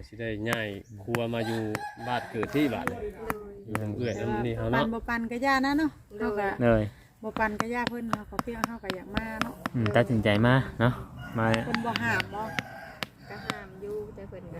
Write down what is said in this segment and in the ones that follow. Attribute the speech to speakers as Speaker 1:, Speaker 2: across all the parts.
Speaker 1: สิได้ย้ายครัวมาอยู่บ้านเกิดที่บ้านอยู่ทางเอื้อยน้ำนี่เฮา
Speaker 2: ปั
Speaker 1: เนาะ
Speaker 2: นบ่ปันก็ย่านะเนาะเฮาก็
Speaker 3: เลย
Speaker 2: บ่ปันก็ย่าเพิ่นเฮาก็เพียงเฮาก็อยากมาเนาะ
Speaker 3: ตัดสินใจมาเนาะมา
Speaker 2: เพิ่นบ่ห้ามบ่
Speaker 4: ก็ห้ามอยู่แต่เพิ่นก็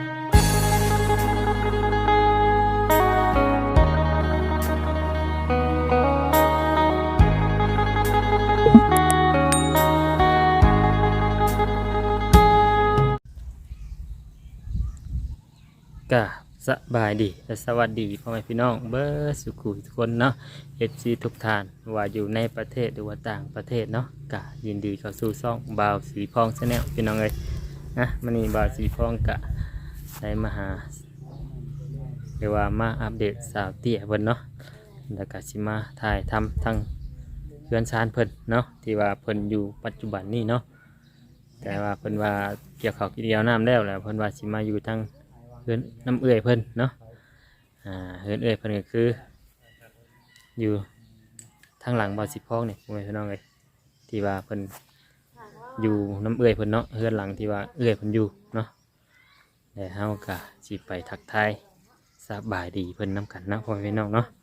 Speaker 3: ก็สบายดีและสวัสดีพ่อแม่พี่น้องเบิร์สุขุทุกคนเนาะ FC ทุกท่านว่าอยู่ในประเทศหรือว่าต่างประเทศเนาะก็ยินดีเข้าสู่ช่องบ่าวสีพองชาแนลพี่น้องเลยนะมันนี้บ่าวสีพองกะได้มาหาเรียกว่ามาอัปเดตสาวเตี้ยเพิ่นเนาะแล้วก็สิมาถ่ายทำทั้งเพื่อนชานเพิ่นเนาะที่ว่าเพิ่นอยู่ปัจจุบันนี้เนาะแต่ว่าเพิ่นว่าเกี่ยวข้าวกินเดียวน้ำแล้วแหละเพิ่นว่าสิมาอยู่ทั้งเฮือนน้ำเอื่อยเพิ่นเนาะเฮือนเอื่อยเพิ่นก็คืออยู่ทางหลังบ่อสิบพองนี่พ่อแม่พี่น้องเลยที่ว่าเพิ่นอยู่น้ำเอื่อยเพิ่นเนาะเฮือนหลังที่ว่าเอื่อยเพิ่นอยู่เนาะแต่เฮาก็สิไปทักทายสบายดีเพิ่นน้ำกันเนาะพ่อแม่พี่น้องเนาะ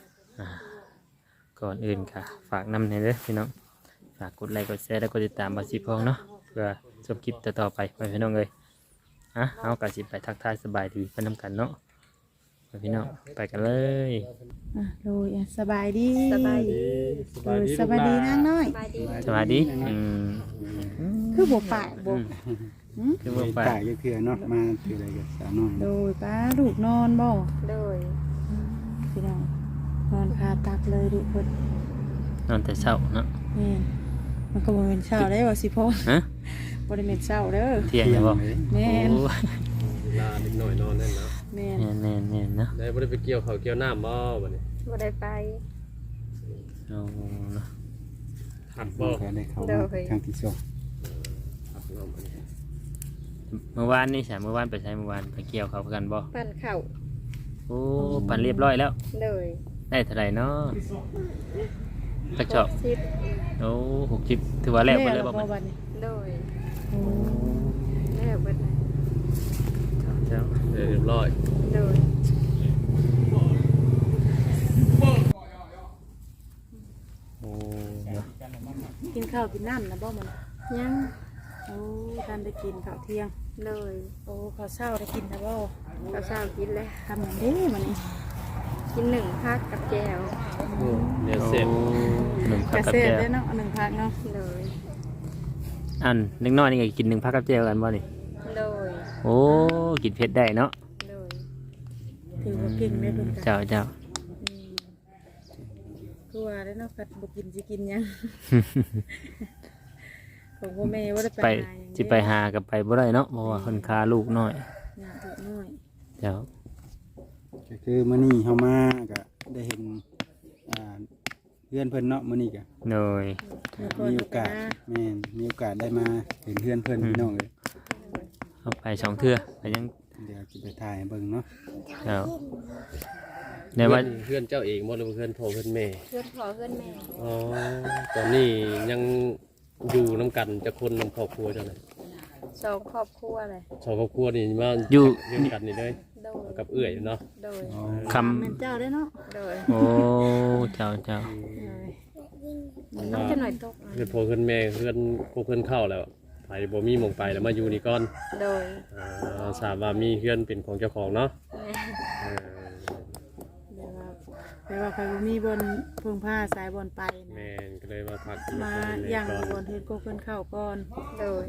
Speaker 3: ก่อนอื่นค่ะฝากนำในเด้อพี่น้องฝากกดไลค์กดแชร์แล้วก็ติดตามบ่อสิบพองเนาะเพื่อชมคลิปต่อๆไปพ่อแม่พี่น้องเลยเอากระสิไปทักทายสบายดีเพื่อนนำกันเนาะพี่น้องไปกันเลย
Speaker 2: โดยสบายดี
Speaker 4: สบายดี
Speaker 2: สบายดีนางน้อย
Speaker 4: สบายดี
Speaker 3: สวัสดี
Speaker 2: คือบ่ปากบ่
Speaker 3: คือว่าไป
Speaker 5: ป่าเยอะเพื่อเนาะมาถืออะไรกับสาวน้อย
Speaker 2: โดยป้าลูกนอนบ่
Speaker 4: โดย
Speaker 2: พี่น้องนอนคาตักเลยลูกเพิ่น
Speaker 3: นอนแต่เช้าเนาะ
Speaker 2: แม่นมันก็บ่เป็นเช้าได้บ่สิพ่อ
Speaker 3: ฮะ
Speaker 2: บ่ได้เป็นเช้าเด้อ
Speaker 3: เที่ยงจะบอก
Speaker 2: แม่น
Speaker 1: ลาเด็กน้อยนอนนั่นเนาะ
Speaker 2: แม่น
Speaker 3: แน่นเนาะ
Speaker 1: ได้บ่ได้ไปเกี่ยวข้าวเกี่ยวน้ำบ่บัดนี้
Speaker 4: บ่ได้ไป
Speaker 3: เอาเนาะ
Speaker 1: หัก
Speaker 5: บ่
Speaker 1: บ่
Speaker 5: เคยได้เข้ามาครั้งที่สอง
Speaker 1: หักน้ำบัดนี้
Speaker 3: เมื่อวานนี่ใช่เมื่อวานไปใช้เมื่อวานไปเกี่ยวเขากันบ่
Speaker 4: ปั่นข้าว
Speaker 3: โอ้ปั่นเรียบร้อยแล้ว
Speaker 4: โดย
Speaker 3: ได้เท่าไหร่เนาะกระจอก
Speaker 4: สิบ
Speaker 3: โอ้60ถือว่าแล้วไปเลยบ่
Speaker 2: บ่
Speaker 3: มัน
Speaker 2: บัดนี้
Speaker 4: โดย
Speaker 2: โอ้
Speaker 4: แล้วเบิดนะ
Speaker 3: เจ้า
Speaker 1: เรียบร้อย
Speaker 4: โดย
Speaker 3: โอ้เนาะ
Speaker 2: กินข้าวกินน้ำนะบ่มัน
Speaker 4: ยัง
Speaker 2: โอ้ท่านได้กินข้าวเที่ยง
Speaker 4: โดย
Speaker 2: โอ้ข้าวเช้าได้กินนะบ่
Speaker 4: ข้าวเช้ากินแล้ว
Speaker 2: ทำอย่างนี้มันนี่
Speaker 4: กินหนึ่งพักกับแจว
Speaker 1: โอ้เดี๋ยวเสร็จ
Speaker 3: หนึ่ง
Speaker 2: ก
Speaker 3: พัก
Speaker 2: ระ
Speaker 3: กับ
Speaker 2: เซ็ด
Speaker 3: แจว
Speaker 2: ได้เนาะ1พักเนาะ
Speaker 4: โดย
Speaker 3: อันเล็กน้อยนี่ก็กินหนึ่งพักกับแจวกันบ่นี่
Speaker 4: โดย
Speaker 3: โอ้กินเผ็ดได้เนาะ
Speaker 4: โดย
Speaker 2: ถือว่าเก่งได้เพิ่นกัน
Speaker 3: เจ้า
Speaker 2: คือว่าได้เนาะกัดบ่กินสิกินหยังของพ่อแม่บ่ได้
Speaker 3: ไป
Speaker 2: ไปหาหยัง
Speaker 3: สิไปหากับไปบ่ได้เนาะเพราะว่าคนคาลูกน้อย
Speaker 2: หยังลูกน้อย
Speaker 3: เจ้า
Speaker 5: ก็คือมื้อนี้เฮามาก็ได้เห็นเพื่อนเพิ่นเนาะมื้อนี้ก็
Speaker 3: หน่อย
Speaker 5: มีโอกาสแม่นมีโอกาสได้มาเห็นเพื่อนเพิ่นพี่น้องเลย
Speaker 3: เอาไปสองเทื่อไปยัง
Speaker 5: เดี๋ยวจะไปถ่ายให้เบิ่งเนาะ
Speaker 3: เจ้าในว่า
Speaker 1: เพื่อนเจ้าเองบ่หรือเพื่อนพ่อเพื่อนแม่
Speaker 4: เพื่อนพ่อเพื่อนแม่
Speaker 1: อ๋อตอนนี้ยังอยู่น้ำกันจะคนนำครอบครัวเจ้าน่ะ
Speaker 4: สองครอบครัวเลย
Speaker 1: สองครอบครัวนี่มา
Speaker 3: อยู่
Speaker 1: เรียนกันนี่เลย
Speaker 4: โดย
Speaker 1: กับเอื้อยเนาะ
Speaker 4: โดย
Speaker 3: ค
Speaker 2: แม่นเจ้าได้เนาะ
Speaker 4: โดย
Speaker 3: ำโอ้เจ้า
Speaker 4: น้องจะหน่อยตก
Speaker 1: เพื่อนพ่อเพื่อนแม่เพื่อนพวกเพื่อนเข้าแล้วไปบ่มีหมองไปแล้วมาอยู่นี่ก่อน
Speaker 4: โดย
Speaker 1: ทราบว่ามีเพื่อนเป็นของเจ้าของเนาะ
Speaker 4: แม่
Speaker 1: เออ
Speaker 2: แต่ว่าใครบ่มีบนเพิ่งผ้าสายบนไปนะ
Speaker 1: แม่นก็เลยมาพักอยู่
Speaker 2: มา
Speaker 1: กับพ่อ
Speaker 2: ย่าง
Speaker 1: แม่
Speaker 2: บ
Speaker 1: ก่อน
Speaker 2: นเฮือนก็เพิ่นเข้าก่อน
Speaker 4: โดย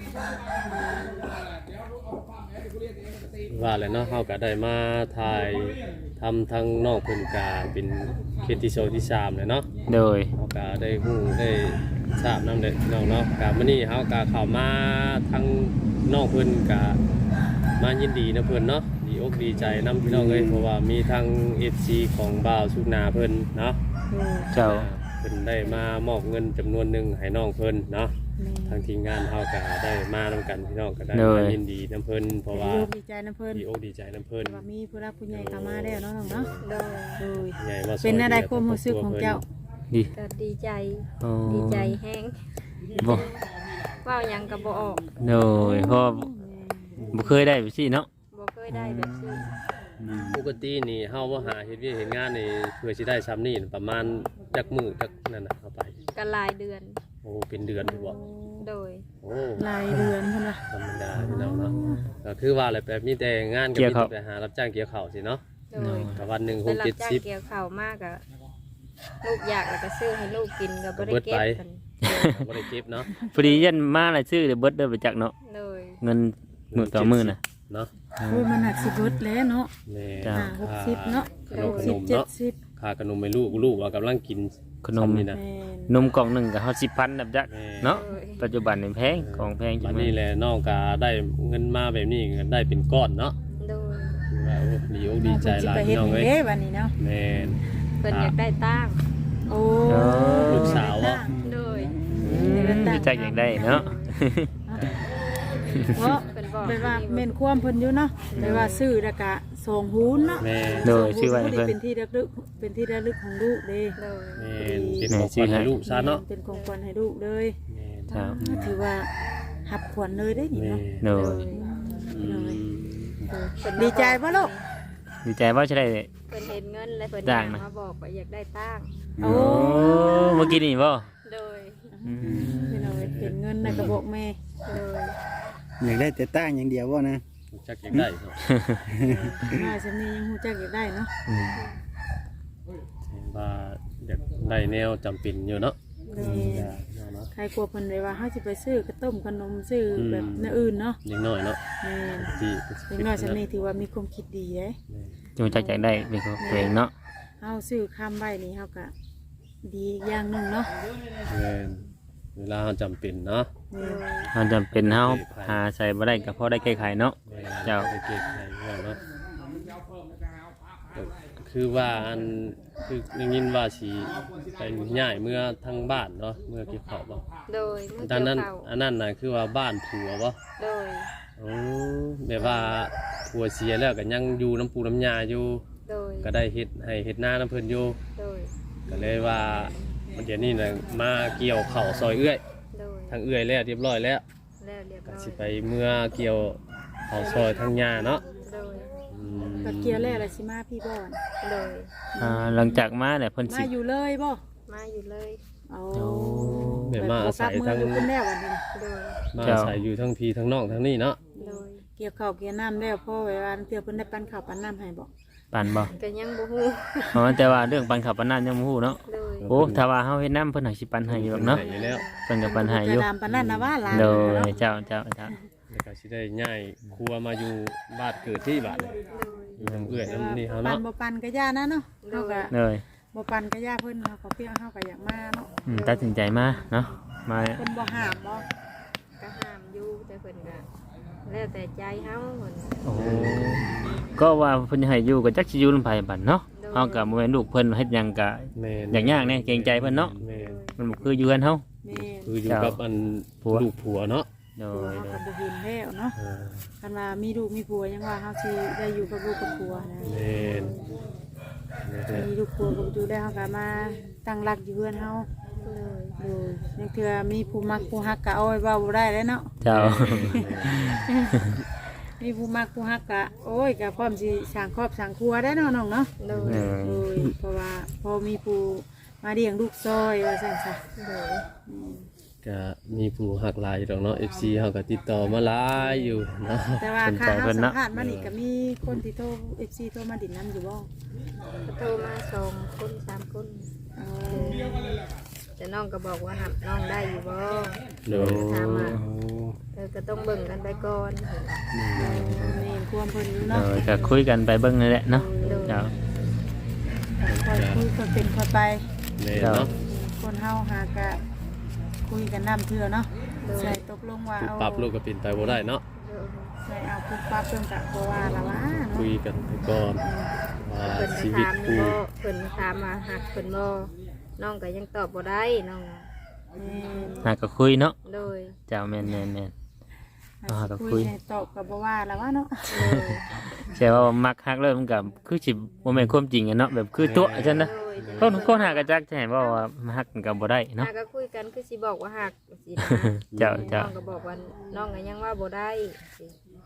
Speaker 1: ว่าแล้วเนาะเฮาก็ได้มาถ่ายทำทั้งนอกเพิ่นกาเป็นเคสที่โซที่3เลยเนาะ
Speaker 3: โดย
Speaker 1: เฮาก็ได้ฮู้ได้ทราบนำเด้อน้องเนาะก็มื้อนี้เฮาก็เข้ามาทั้งนอกเพิ่นก็มายินดีนะเพิ่นเนาะดีอกดีใจนํพี่น้องเอ้ยเพราะว่ามีทั้ง FC ของบ่าวสุกนาเพิ่นเนาะ
Speaker 3: เจ้า
Speaker 1: เพิ่นได้มามอบเงินจำนวนหนึงให้น้องเพิ่นเนาะ ทางทีมงานเฮาก็ได้มานํกันพี่น้องก็ได้มายินดีนํเพิ่นเพราะว่า
Speaker 2: ดีใจนะเพิ่น
Speaker 1: ดีอกดีใจนํเพิ่น
Speaker 2: ว่ามีผู้รักผู้ใหญ่เข้ามาแล้วเนาะน้องเนาะ
Speaker 4: โดย
Speaker 2: โดย
Speaker 1: ใหญ่มาซอย
Speaker 2: เป็นอะไรความรู้สึกของเจ้า
Speaker 3: ดี
Speaker 4: ก็ดีใจ
Speaker 3: โอ้
Speaker 4: ดีใจแห้ง
Speaker 3: บ่
Speaker 4: ว่าหยังก็บ่ออก
Speaker 3: โดยเพราะบ่เคยได้ไปสิเนาะ
Speaker 4: อยได้แบบนี้
Speaker 1: ปกตินี่เฮาบ่หาเฮ็ดเวียกเฮ็ดงานนี่เพื่อสิได้ซ้ำนี่ประมาณจักมื้อจักนั่นน่ะเอาไป
Speaker 4: ก็หลายเดือน
Speaker 1: โอ้เป็นเดือนอยู่บ่
Speaker 4: โดย
Speaker 1: โอ้
Speaker 2: รายเดือนพุ่นน่ะ
Speaker 1: ธรรมดาพี่น้องเนาะก็คือว่าแหละแบบมีแต่งานก็มีแต่ไปหารับจ้างเกี่ยวข้าวสิเนาะ
Speaker 4: โดย
Speaker 1: ก็วันหนึง
Speaker 4: ไปรับจ้าง
Speaker 1: 6-70
Speaker 4: เกี่ยวข้าวมากอะลูกอยากแล้วก็ซื้อให้ลูกกินก็บ่ได้เก็บกัน
Speaker 1: บ่ได้เก็บเนาะ
Speaker 3: พอดียันมาหลายชื่อเดี๋ยวเบิดเด้อไปจักเนาะ
Speaker 4: โดย
Speaker 3: เงินมื้อต่อมื้อน่ะ
Speaker 1: เนาะ
Speaker 2: โอ้ยมันหักสิเบิดแล้วเนาะ
Speaker 1: แม่
Speaker 3: จ้ะ
Speaker 2: 60เนาะ
Speaker 1: ขนม
Speaker 2: 60
Speaker 1: เนาะ
Speaker 2: 70
Speaker 1: ค่าขนมให้ลูกว่ากำลังกิน
Speaker 3: ขนม
Speaker 1: นี่นะ
Speaker 2: แม่น
Speaker 3: นมกล่องหนึงก็เฮา10,000แบบจัก
Speaker 1: แม่
Speaker 3: เนาะปัจจุบันนี่แพงของแพงจั
Speaker 1: บั
Speaker 3: ง
Speaker 1: ด
Speaker 3: มื้
Speaker 1: นี้
Speaker 3: อ
Speaker 1: แหละน้องก็ได้เงินมาแบบนี้ก็ได้เป็นก้อนเนาะ
Speaker 4: โดย
Speaker 1: คือว่าโอ้ดีอกดีใจหลาย
Speaker 2: เพิ่นสิไปเฮ็
Speaker 1: พี่
Speaker 2: ด
Speaker 1: น้อง
Speaker 2: นี่
Speaker 1: เอ้ย
Speaker 2: เด้บัดนี้เนาะ
Speaker 1: แม่น
Speaker 4: เพิ่นอยากได้ตั้ง
Speaker 2: โอ้
Speaker 1: ลูกสาวบ่
Speaker 4: โดย
Speaker 3: ดีใจอย่างได้เนาะ
Speaker 2: เพราะ
Speaker 4: เพิ่นบอก
Speaker 2: ไปว่าแม่นความเพิ่นอยู่เนาะไปว่าซื้อแล้วก็ส่งหูนเนาะ
Speaker 1: แม่น
Speaker 3: โดยชื่อว่า
Speaker 2: ส่งหู
Speaker 3: เพิ่น
Speaker 2: เป็นที่ระลึกเป็นที่ระลึกของลูกเด้
Speaker 4: โดย
Speaker 1: แม่นเป็นของขวัญให้ลูกซะเนาะ
Speaker 2: เป็นของขวัญให้ลูกเลย
Speaker 1: แม่น
Speaker 3: ครับ
Speaker 2: ถือว่าหับขวัญเลยได้นี่
Speaker 1: แม่
Speaker 2: เนาะ
Speaker 3: โด
Speaker 4: โด
Speaker 3: ย
Speaker 4: ย
Speaker 1: อืม
Speaker 4: เพิ่นมา
Speaker 2: ดีใจป่ะลูก
Speaker 3: ดีใจว่าจะได้
Speaker 4: เพิ่นเห็นเงินแล้วเพิ่น
Speaker 3: จ้า
Speaker 4: อยาง ก
Speaker 3: นะ
Speaker 4: มาบอกว่าอยากได้ตั้ง
Speaker 2: โอ้
Speaker 3: เมื่อกี้นี่บ่
Speaker 4: โดย
Speaker 2: เป็นเอาเป็นเงินในกระบอกแม่
Speaker 4: โดย
Speaker 5: อยากได้แต่ตั้งอย่างเดียวว่านะ
Speaker 1: จักอยากได้เนาะ
Speaker 2: มาฉันนี่ยังหูจักอยากได้เนาะ
Speaker 3: อืม
Speaker 1: เห็นว่าอยากได้แนวจำเป็นอยู่เนาะ
Speaker 2: เลย
Speaker 1: เนาะ
Speaker 2: ใครกลัวเพิ่นเลยว่าเฮาสิไปซื้อกระต้มขนมซื้อแบบแนวอื่นเนาะ
Speaker 1: เล็กน้อยเนาะ
Speaker 2: แม่น
Speaker 1: ที่
Speaker 2: เด็กน้อยฉันนี่ถือว่ามีความคิดดีเด้
Speaker 3: จงใจอยากได้เป็นของตัวเองเนาะ
Speaker 2: เฮาซื้อคำไว้นี่เฮาก็ดีอย่างหนึงเนาะ
Speaker 1: แม่นเวลาเราจำเป็นเนาะ
Speaker 2: แม่น
Speaker 3: มันจำเป็นเฮาหาใส่บ่ได้ก็พอได้แก้ไขเนาะ
Speaker 1: แม่น
Speaker 3: เจ้า
Speaker 1: ไปเก็บไข่เนาะก็คือว่าอันคือได้ยินว่าสิไปย้ายเมื่อทางบ้านเนาะเมื่อเกี่ยวข้าวบ่
Speaker 4: โดยมือ
Speaker 1: ตอน
Speaker 4: เกี่ยว
Speaker 1: นั้น
Speaker 4: ข้าว
Speaker 1: อันนั้นน่ะคือว่าบ้านผัวบ่
Speaker 4: โดย
Speaker 1: โอ้แบบว่าผัวเสียแล้วก็ยังอยู่น้ำปูน้ำยาอยู่
Speaker 4: โดย
Speaker 1: ก็ได้เฮ็ดให้เฮ็ดหน้าน้ำเพิ่นอยู่
Speaker 4: โดย
Speaker 1: ก็เลยว่าเดี๋ยวนี้น่ะมาเกี่ยวข้าวซอยเอื้อย
Speaker 4: โดย
Speaker 1: ทางเอื้อยแล้วเรียบร้อยแล้ว
Speaker 4: แล้วเรียบ
Speaker 1: ก็
Speaker 4: ร้อย
Speaker 1: สิไปเมื่อเกี่ยวข้าวซอยทางยาเนาะ
Speaker 4: โดย
Speaker 1: อืม
Speaker 2: ก็เกี่ยวแล้วล่ะสิมาพี่บ่อน
Speaker 4: โดย
Speaker 3: หลังจากมาเนี่ยเพิ่น
Speaker 2: มา
Speaker 3: สิ
Speaker 2: อยู่เลยบ่
Speaker 4: มาอยู่เลย
Speaker 2: เอา
Speaker 3: โอ้
Speaker 1: แบบมาอาศัย
Speaker 2: มื
Speaker 1: ทาง
Speaker 2: อยู่คนแล้ววันนี้
Speaker 4: โดย
Speaker 1: มาอาศัยอยู่ทั้งพี่ทั้งน้องทั้งนี้เนาะ
Speaker 4: โดย
Speaker 2: เกี่ยวข้าวเกี่ยวน้ำแล้วพ่อไว้ว่าเพื่อเพิ่นได้ปั้นข้าวปั้นน้ำให้บ่
Speaker 3: ปั่นบ่
Speaker 4: ก็ยังบ่ฮู้
Speaker 3: อ๋อแต่ว่าเรื่องปั่นข้าวปั่นน้ำยังบ่ฮู้เนาะ
Speaker 4: โดย
Speaker 3: โอ้ถ้าว่าเฮาเฮ็ดน้ำเพิ่นให้สิปั่นให้อยู่เนาะ
Speaker 1: อยู่แล้ว
Speaker 3: เพิ่นก็ปั่นให้อยู่
Speaker 2: กระดามปั้นนั่นนะว่าหลาน
Speaker 3: โด
Speaker 2: เนาะ
Speaker 3: ยเจ้า
Speaker 1: แล้วก็สิได้ย้ายครัวมาอยู่บ้านเกิดที่บ้านเลยอยู่ทางเอื้อยน้ำนี่เฮา
Speaker 2: ปั้น
Speaker 1: เนาะ
Speaker 2: บ่ปั้นก็ย่านะเนาะเฮาก็
Speaker 3: เลย
Speaker 2: บ่ปั้นก็ย่าเพิ่นเฮาก็เพียงเฮาก็อยากมาเนาะ
Speaker 3: ตัดสินใจมาเนาะมา
Speaker 2: เพิ่นบ่ห้ามบ่
Speaker 4: ก็ห้ามอยู่แต่เพิ่นก็แล้วแต่ใจเฮาเพิ่น
Speaker 3: โอ้ก็ว่าเพิ่นให้อยู่ก็จักสิอยู่ลำไผบัดเนาะเฮาก็บ่แม่นลูกเพิ่นเฮ็ดหยังก็
Speaker 1: แม่น
Speaker 3: อย่างยากแน่เกรงใจเพิ่นเนาะ
Speaker 1: แม่น
Speaker 3: มันบ่คืออยู่กันเฮา
Speaker 2: แม่น
Speaker 1: คืออยู่กับอันลูกผัวเนาะ
Speaker 3: โด
Speaker 2: ผัวย เฮา
Speaker 3: โด
Speaker 2: ก็
Speaker 3: ย
Speaker 2: บ่เห็นแล้วเนาะ
Speaker 1: เออ
Speaker 2: คันว่ามีลูกมีผัวยังว่าเฮาสิได้อยู่กับลูกกับผัวนะ
Speaker 1: แม่น
Speaker 2: มีลูกผัวกับอยู่แล้วเฮาก็มาตั้งหลักอยู่เฮือนเฮา
Speaker 4: เลย
Speaker 2: โดยนักเทื่อมีผู้มักผู้ฮักก็เอาไว้เว้าบ่ได้แล้วเนาะ
Speaker 3: เจ้า
Speaker 2: มีผู้มักผู้ฮักก็โอ้ยก็พร้อมสิสร้างครอบสร้างครัวได้เนาะน้องเนาะ
Speaker 4: โดย
Speaker 3: เออ
Speaker 2: โอ้ยเพราะว่าพอมีผู้มาเลี้ยงลูกซอยว่าซั่นซะ
Speaker 4: โดย
Speaker 1: ก็มีผู้หักหลายอยู่ดอกเนาะ FC เฮาก็ติดต่อมาหลายอยู่เนาะ
Speaker 2: แต่ว่า
Speaker 3: สนใจ
Speaker 2: ค่าเฮา
Speaker 3: เพิ่น
Speaker 2: สั
Speaker 3: เนาะ
Speaker 2: มภาษณ์มานี่ก็มีคนที่โทร FC โทรมาดินนํอยู่บ่
Speaker 4: ก็โทรมา2คน3คน
Speaker 2: เออ
Speaker 4: แต่น้องก็บอกว่าหับน้องได้อยู่บ่
Speaker 1: โดย
Speaker 4: ถามว่าก็ต้องเบิ่งกันไปก่อน
Speaker 2: นี่ความเพิ่นอยู่
Speaker 3: โด
Speaker 2: เนาะ
Speaker 3: ยก็คุยกันไปเบิ่งนั่นแหละเนาะเจ้า
Speaker 2: ค่อยคุยค่อยเป็นค่อยไป
Speaker 1: แม่นเนาะ
Speaker 2: คนเฮาหากะคุยกันน้ำเทื่อเนาะใส่ตกลงว่าเอา
Speaker 1: ปรับลูกก็เป็นไปบ่ได้เนาะ
Speaker 2: ใส่เอาปุ๊บปั๊บเพิ่นกะบ่ว่าละว่าเนาะ
Speaker 1: คุยกันไปก่อนว่า
Speaker 4: เพิ่น
Speaker 1: ชี
Speaker 4: ไป
Speaker 1: วิต
Speaker 4: ถาม
Speaker 1: คู่
Speaker 4: บ่เพิ่นถามมาหักเพิ่นบ่น้องก็ยังตอบบ่ได้น้อง
Speaker 3: หาก็คุยเนาะ
Speaker 4: โดย
Speaker 3: เจ้าแม่น
Speaker 2: อ่าก็คุยให้ตอบก็บ่ว่าละว่าเนาะ
Speaker 4: โดย
Speaker 3: ๆแต่ว่ามักฮักเริ่มนกับคือสิบ่แม่นความจริงอะเนาะแบบคือตัวจังนะ
Speaker 4: โดย
Speaker 3: คนหากระจักจะเห็นว่าฮักกันก็บ่ได้เนาะ
Speaker 4: หาก็คุยกันคือสิบอกว่าหักสินะ
Speaker 3: เจ้า
Speaker 4: น้องก็บอกว่าน้องก็ยังว่าบ่ได้สิ
Speaker 3: อ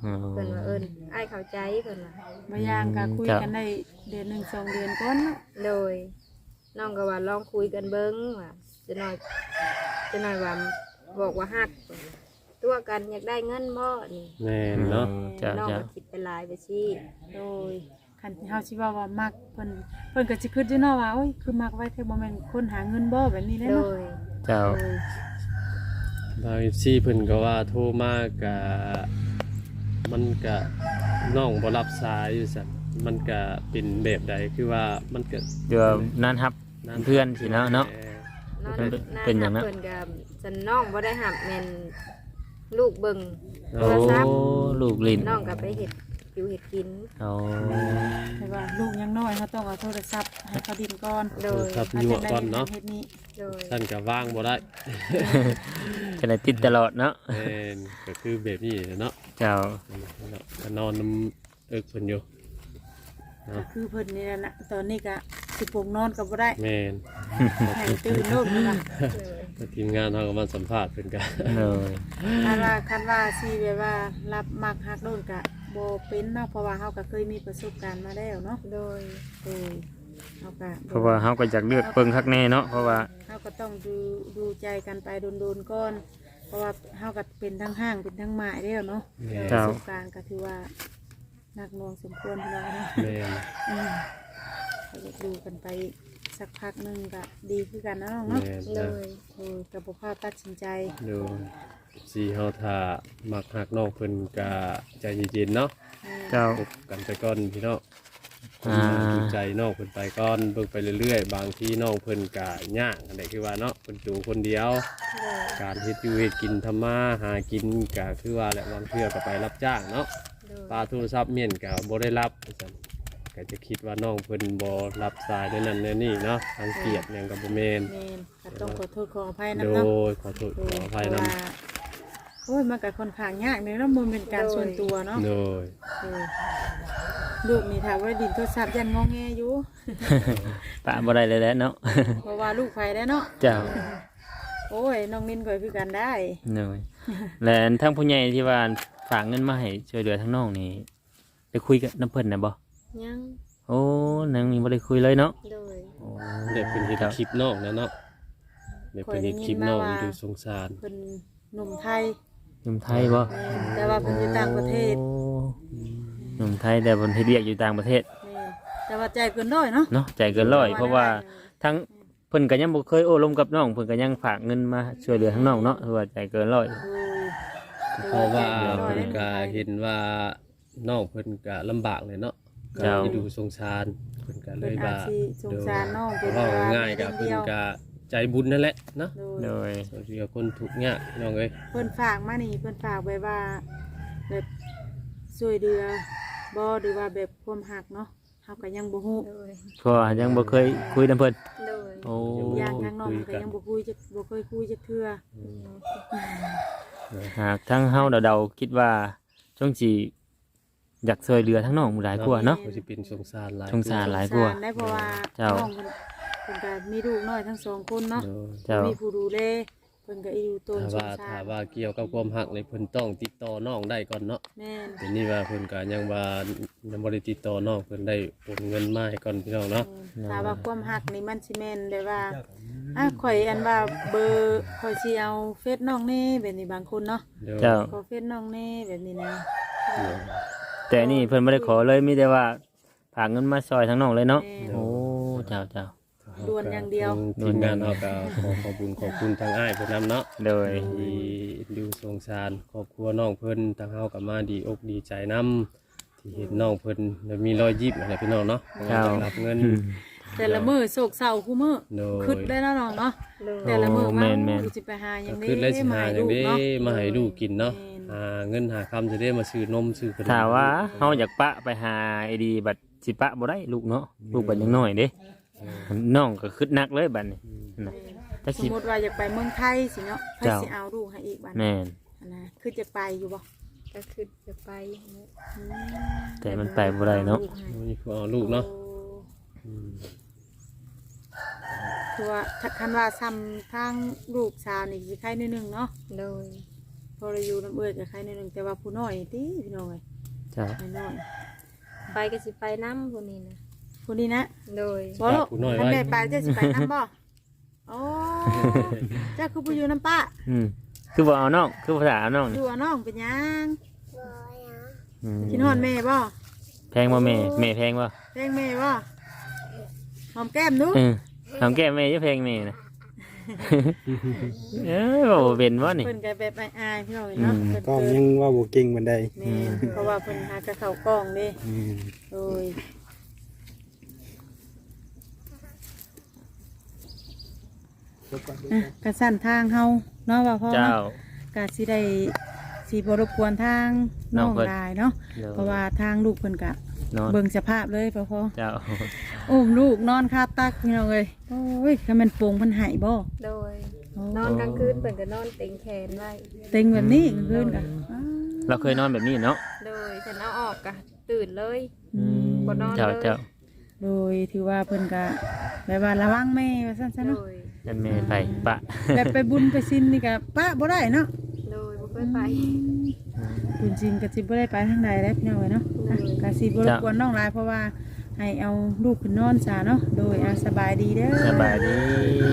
Speaker 4: เพิ่นว่าอ้ายเข้าใจเพิ่นว่า
Speaker 2: บางอย่างก็คุยกันได้เดือน1 2เดือนก่อนเนาะ
Speaker 4: โดยน้องก็ว่าลองคุยกันเบิ่งว่าจะน้อยว่าบอกว่าฮักตัวกันอยากได้เงินบ่นี่
Speaker 1: แม่นเนาะ
Speaker 3: จ้า
Speaker 4: น้อง
Speaker 3: จ้า
Speaker 4: ก็คิดไปหลายไปสิ
Speaker 2: โดยคันเฮาสิว่ามักเพิ่นก็สิคิดอยู่เนาะว่าโอ้ยคือมักไว้แท้บ่แม่นคนหาเงินบ่แบบนี้เลย
Speaker 4: โด
Speaker 2: เนาะ
Speaker 4: ย
Speaker 3: เจ้า
Speaker 2: โดย
Speaker 1: บาง FC เพิ่นก็ว่าโทรมาก็มันก็น้องบ่รับสายอยู่ซั่นมันก็เป็นแบบใดคือว่ามันก็
Speaker 3: เดี๋ยวนั่นครับเพื่อนสิเนาะเนาะ
Speaker 4: น้อง
Speaker 3: เป็นอย่างนั้น
Speaker 4: เพิ่นก็จันน้องบ่ได้หับแม่นลูกเบิ่งโท
Speaker 3: โอ้
Speaker 4: รศัพท์
Speaker 3: ลูกลิ้น
Speaker 4: น้องก็ไปเฮ็ดอยู่เฮ็ดกิน
Speaker 3: เอา
Speaker 2: แต่ว่าลูกยังน้อยเขาต้องเอาโทรศัพท์ให้เขาดินก่อน
Speaker 4: โดย
Speaker 1: ครับ
Speaker 2: เขา
Speaker 1: ยั่ว
Speaker 2: จะได้
Speaker 1: ก่อนเนาะ
Speaker 2: เฮ็ดนี้
Speaker 4: โดย
Speaker 1: ท่านก็ว่างบ่ได้
Speaker 3: จะได้ติดตลอดเนาะ
Speaker 1: แม่นก็คือแบบนี้เนาะ
Speaker 3: เจ้า
Speaker 1: ก็นอนน้ำเอิกเพิ่นอยู่
Speaker 2: ก็คือเพิ่นนี่แหละนะตอนนี้ก็สิปลุกนอนก็บ่ได้
Speaker 1: แม่น
Speaker 2: ให้ตื่นโลกนี่ล่ะ
Speaker 1: ก็ทีมงานเฮาก็มาสัมภาษณ์เพิ่นก็
Speaker 3: เลย
Speaker 2: คันว่าสิแบบว่ารับมักฮักโดนก็บ่เป็นเนาะเพราะว่าเฮาก็เคยมีประสบการณ์มาแล้วเนาะ
Speaker 4: โดย
Speaker 2: เออเฮาก็
Speaker 3: เพราะว่าเฮาก็อยากเลือกเบิ่งคักแน่เนาะเพราะว่า
Speaker 2: เฮาก็ต้องดูใจกันไปโดนๆก่อน เพราะว่าเฮาก็เป็นทั้งห้างเป็นทั้งหมายแล้วเนาะ
Speaker 1: แม่น
Speaker 2: ประสบการณ์ก็ถือว่าหนักหน่วงสมควรพี่น้องเนาะ
Speaker 1: แม่น
Speaker 2: ก็จะดูกันไปสักพักหนึงก็ดีขึ้นกันนะน้องเนาะ
Speaker 1: แม่น
Speaker 4: โด
Speaker 1: นะ
Speaker 4: ย
Speaker 2: กับบุพาตัดสินใจ
Speaker 1: ดูสิเฮาถ้ามักฮักน้องเพิ่นก็ใจเย็นๆเนาะ
Speaker 3: เจ้า
Speaker 1: คบกันไปก่อนพี่น้อง
Speaker 3: อ่า
Speaker 1: ดูใจน้องเพิ่นไปก่อนเบิ่งไปเรื่อยๆบางทีน้องเพิ่นก็ยากอันใดคือว่าเนาะเพิ่นอยู่คนเดียว การเฮ็ดอยู่เฮ็ดกินทำมาหากินก็คือว่าแหละบางเทื่อก็ไปรับจ้างเนาะ
Speaker 4: โดย
Speaker 1: ปลาโทรศัพท์เมียนก็บ่ได้รับว่าซั่นก็จะคิดว่าน้องเพิ่นบ่รับสายในนั้นในนี่เนาะรังเกียจหยังก็บ่แม่น
Speaker 2: เมนก็ต้องขอโทษขออภัยนะ
Speaker 1: โด
Speaker 2: เนาะ
Speaker 1: ยขอโทษขออภัยนำ
Speaker 2: เพราะว่าโอ้ยมันก็ค่อนข้างยากเลยเนาะมันเป็นการส่วนตัวเนาะ
Speaker 1: โดย
Speaker 2: เออลูกนี่ถามว่าดินโทรศัพท์ยันงอแงอยู่
Speaker 3: ปะบ่ได้เลยแหล้วเนาะ
Speaker 2: เพราะว่าลูกไฟได้เนาะ
Speaker 3: เจ้า
Speaker 2: โอ้ยน้องนินก็คือกันได้
Speaker 3: เลยและทั้งผู้ใหญ่ที่ว่าฝากเงินมาให้ช่วยเหลือทั้งน้องนี่ได้คุยกับน้ำเพิ่นน่ะบ่
Speaker 4: ยัง
Speaker 3: โอ้นางนี่บ่ได้คุยเลยเนาะ
Speaker 4: โดย
Speaker 3: โอ้
Speaker 1: เด็กเพิ่นเฮ็ดคลิปน้องนะเนาะเด็กเพิ่นเฮ็ดคลิปน้องดูสงสาร
Speaker 2: เป็นหนุ่มไทย
Speaker 3: หนุ่มไทยบ่
Speaker 2: แม่นแต่ว่าเพิ่นอยู่ต่างประเทศ
Speaker 3: โอ้หนุ่มไทยแต่เพิ่นเฮ็ดเวียกอยู่ต่างประเทศ
Speaker 2: แม่นแต่ว่าใจเกินร้อยเนาะ
Speaker 3: เนาะใจเกินร้อยเพราะว่าทั้งเพิ่นก็ยังบ่เคยโอ้ลมกับน้องเพิ่นก็ยังฝากเงินมาช่วยเหลือทั้งน้องเนาะถือว่าใจเกินร้อย
Speaker 1: เพราะว่าเพิ่นก็เห็นว่าน้องเพิ่นก็ลำบากเลยเนาะก็สิดูสงสารเพิ่นก็เล
Speaker 2: เพิ่น
Speaker 1: ย
Speaker 2: อา
Speaker 1: ว่า
Speaker 2: จสิสงสารน้องเป็น
Speaker 1: เว้า
Speaker 2: ว่า
Speaker 1: ง่ายๆก็
Speaker 2: เดี
Speaker 1: เพิ่น
Speaker 2: ยว
Speaker 1: ก็ใจบุญนั่นแหละเนาะ
Speaker 2: โด
Speaker 3: โด
Speaker 2: ย
Speaker 3: ย
Speaker 1: ส่วนที่คนทุกข์ยากน้องเอ้ย
Speaker 2: เพิ่นฝากมานี่เพิ่นฝากไว้ว่าแบบช่วยเหลือบ่หรือว่าแบบความหักเนาะเฮาก็ยังบ่ฮู้
Speaker 4: โดย
Speaker 3: เพราะว่ายังบ่เคยคุยนำเพิ่น
Speaker 4: โดย
Speaker 3: โอ้
Speaker 2: ญาติทางน้องก็ยังบ่คุยจักบ่เคยคุยจักเทื่อ
Speaker 3: หากทั้งเฮาเดาๆคิดว่าช่วงสิอยากช่วยเหลือทั้งน้องหลายกว่าเนาะ
Speaker 1: ก็สิเป็นสงสารหลาย
Speaker 3: สงสาร หลายกว่า
Speaker 2: ได้เพราะว่า
Speaker 3: เจ้า
Speaker 2: น้องเพิ่นก็มีลูกน้อยทั้งสองคนเนาะ
Speaker 1: โดย
Speaker 3: เจ้า
Speaker 2: มีผู้ดูแลเพิ่นก็อยู่ตน
Speaker 1: ถ้า
Speaker 2: ส
Speaker 1: ว่าง
Speaker 2: สา
Speaker 1: ถ้าร ว่าเกี่ยวกับความหักในเพิ่นต้องติดต่อน้องได้ก่อนเนาะ
Speaker 2: แม่น
Speaker 1: เดี๋ยวนี้ว่าเพิ่นก็ยังว่ายังบ่ได้ติดต่อน้องเพิ่นได้โอนเงินมาให้ก่อนพี่น้องเนาะ
Speaker 2: ถ้าว่าความหักนี่มันสิแม่นได้ว่าข่อยอันว่าเบอร์ข่อยสิเอาเฟซน้องแน่แบบนี้บางคนเนาะ
Speaker 1: เดี๋ยว
Speaker 3: เจ้า
Speaker 2: ขอเฟซน้องแน่แบบนี้นะ
Speaker 3: แต่นี่เพิ่นบ่ได้ขอเลยมีแต่ว่าฝากเงินมาซอยทั้งน้องเลยเนาะ
Speaker 2: แม่น
Speaker 3: โอ้เจ้าเจ้า
Speaker 2: ด่วนอย่างเดียว
Speaker 1: ทีมงานเราก็ขอขอบคุณทางอ้ายเพิ่นนำเนาะ
Speaker 3: โดย
Speaker 1: ที่ดูสงสารครอบครัวน้องเพิ่นทางเฮาก็มาดีอกดีใจนำที่เห็นน้องเพิ่นได้มีรอยยิ้มอะไรพี่น้องเนาะ
Speaker 3: เจ้า
Speaker 1: ได้รับเงิน
Speaker 3: อืม
Speaker 2: แต่ละมื้อโศกเศร้าคู่มื้อ
Speaker 1: โดย
Speaker 2: คิดได้แล้วน้องเนาะ
Speaker 4: โดย
Speaker 2: แต่ละมื้อ
Speaker 3: โอ้
Speaker 2: มา
Speaker 3: แม่น
Speaker 2: สิไปหาหยั
Speaker 1: ก็
Speaker 2: ง
Speaker 1: คือได้สิหาอย่างนี้
Speaker 2: เนาะ
Speaker 1: มาให้ลูกกินเนาะ
Speaker 2: แม่น
Speaker 1: หาเงินหาคำจะได้มาซื้อนมซื้อขนม
Speaker 3: ถ้าว่าเฮาอยากปะไปหาไอ้ดีบัดสิปะบ่ได้ลูกเนาะลูกบัดยังน้อยเด้น้องก็คิดหนักเลยบัดนี้นะจัก
Speaker 2: ส
Speaker 3: สิ
Speaker 2: มมุติว่าอยากไปเมืองไทยสิเนาะใคร
Speaker 3: เจ้า
Speaker 2: สิเอาลูกให้อีกบัด
Speaker 3: แม่น
Speaker 2: นะคือจะไปอยู่บ่
Speaker 4: ก็คือจะไป
Speaker 2: อืม
Speaker 3: แต่มันไปบ่ได้เนาะ
Speaker 1: นี่คือเอาลูกเนาะ
Speaker 2: โอ้
Speaker 1: อืม
Speaker 2: คือว่าถ้าคันว่าซ้ำทางลูกสาวนี่สิใครนิดนึงเนาะ
Speaker 4: โดย
Speaker 2: เพอได้อยู่น้ำเอื้อยกับใครในหนึ่งแต่ว่าผู้น้อยติพี่น้องเลย
Speaker 3: เจ้า
Speaker 2: น้อย
Speaker 4: ไปก็สิไปน้ำพวกนี้นะ
Speaker 2: ผู้นี้นะ
Speaker 4: โดย
Speaker 2: บ่ลูกท่านแม่ไปจะสิไปน้ำบ่โอ้เจ้าคือผู้อยู่น้ำป้า
Speaker 3: คือบ่เอาน้องคือภาษาเอาน้อง
Speaker 2: อยู่น้องเป็นยัง
Speaker 3: อืม
Speaker 2: กินฮอนแม่บ่
Speaker 3: แพงบ่แม่แพงบ่
Speaker 2: เพลงแม่บ่หอมแก้มดู
Speaker 3: ทำแก้แม่จะแพงแม่นะบ่เป็นบ่นี่
Speaker 2: เพิ่นก็แบบอายๆพี่น้องเนาะเพิ่น
Speaker 5: ก็ยังว่าบ่เก่งบันได
Speaker 2: แม่เพราะว่าเพิ่นหากระเข้ากล้องเด้โอ้ยกระสั่นทางเฮาเนาะว่าพ่อ
Speaker 3: เจ้า
Speaker 2: เนาะกะสิได้สิบ่รบกวนทางน้องได้เนาะเพราะว่าทางลูกเพิ่นกะ
Speaker 3: นอน
Speaker 2: เบิ่งสภาพเลยพ่อ
Speaker 3: เจ้า
Speaker 2: โอ้มลูกนอนคาตักพี่น้องเอ้ยโอ้ยถ้ามันโป่งเพิ่นหายบ่
Speaker 4: โดยนอนกลางคืนเปิ่นก็นอนเต็งแขนไว้
Speaker 2: เต็งแบบนี้กลางคืนกะ
Speaker 3: เราเคยนอนแบบนี้เนาะ
Speaker 4: โดยฉันเอาออกกะตื่นเลย บ่นอน
Speaker 3: เจ้า
Speaker 4: เลย
Speaker 3: เจ้า
Speaker 2: โดยถือว่าเพิ่นกะแบบว่าระวังแม่ว่าซั่นซะ
Speaker 4: โด
Speaker 2: เนาะ
Speaker 4: ย
Speaker 3: นั่นแม่ไปปะ
Speaker 2: แบบไปบุญไปศีลนี่กะปะบ่ได้เนาะ
Speaker 4: โดยบ่เคยไป
Speaker 2: บุญจริงก็สิบ่ได้ไปทางใดแล้วพี่น้องเอ้ยเนาะอ่ะก็สิบ่รบกวนน้องหลายเพราะว่าให้เอาลูกขึ้นนอนซะเนาะโดยสบายดีเด้อ
Speaker 3: สบายดี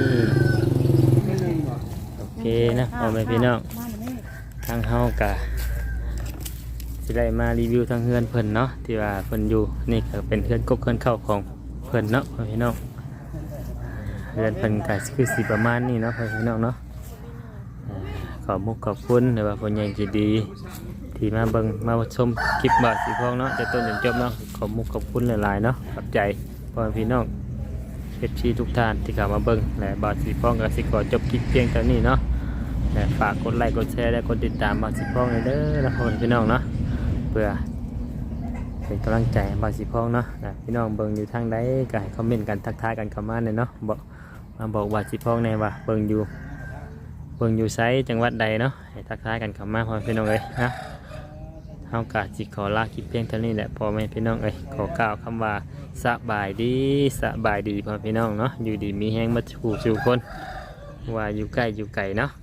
Speaker 3: โอเคนะพ่อแม่พี่น้องทางเฮากะสิได้มารีวิวทางเฮือนเพิ่นเนาะที่ว่าเพิ่นอยู่นี่ก็เป็นเฮือนกบเฮือนเข้าของเพิ่นเนาะพ่อแม่พี่น้องเฮือนเพิ่นก็คือสิประมาณนี้เนาะพ่อแม่พี่น้องเนาะขอบมุกขอบคุณหรือว่าคนใหญ่ใจดี ที่มาเบิ่งมาชมคลิปบาทสีพองเนาะจะต้นจนจบเนาะขอบมุกขอบคุณหลายๆเนาะขอบใจพ่อแม่พี่น้องเอฟซีทุกท่านที่เข้ามาเบิ่งและบาทสีพองก็สิขอจบคลิปเพียงเท่านี้เนาะและฝากกดไลค์กดแชร์และกดติดตามบาทสีพองเลยเด้อนะพ่อแม่พี่น้องเนาะเพื่อเป็นกำลังใจให้บาทสีพองเนาะและพี่น้องเบิ่งอยู่ทางใดก็ให้คอมเมนต์กันทักทายกันเข้ามาเนี่ยเนาะบอกบาทสีพองในว่าเบิ่งอยู่ไซต์จังหวัดใดเนาะให้ทักทายกันเข้ามาพ่อแม่พี่น้องเลยนะเฮากะสิขอลาคลิปเพียงเท่านี้แหละพ่อแม่พี่น้องเอ้ยขอกล่าวคำว่าสบายดีพ่อแม่พี่น้องเนาะอยู่ดีมีแห้งมาสู่คนว่าอยู่ใกล้อยู่ไกลเนาะ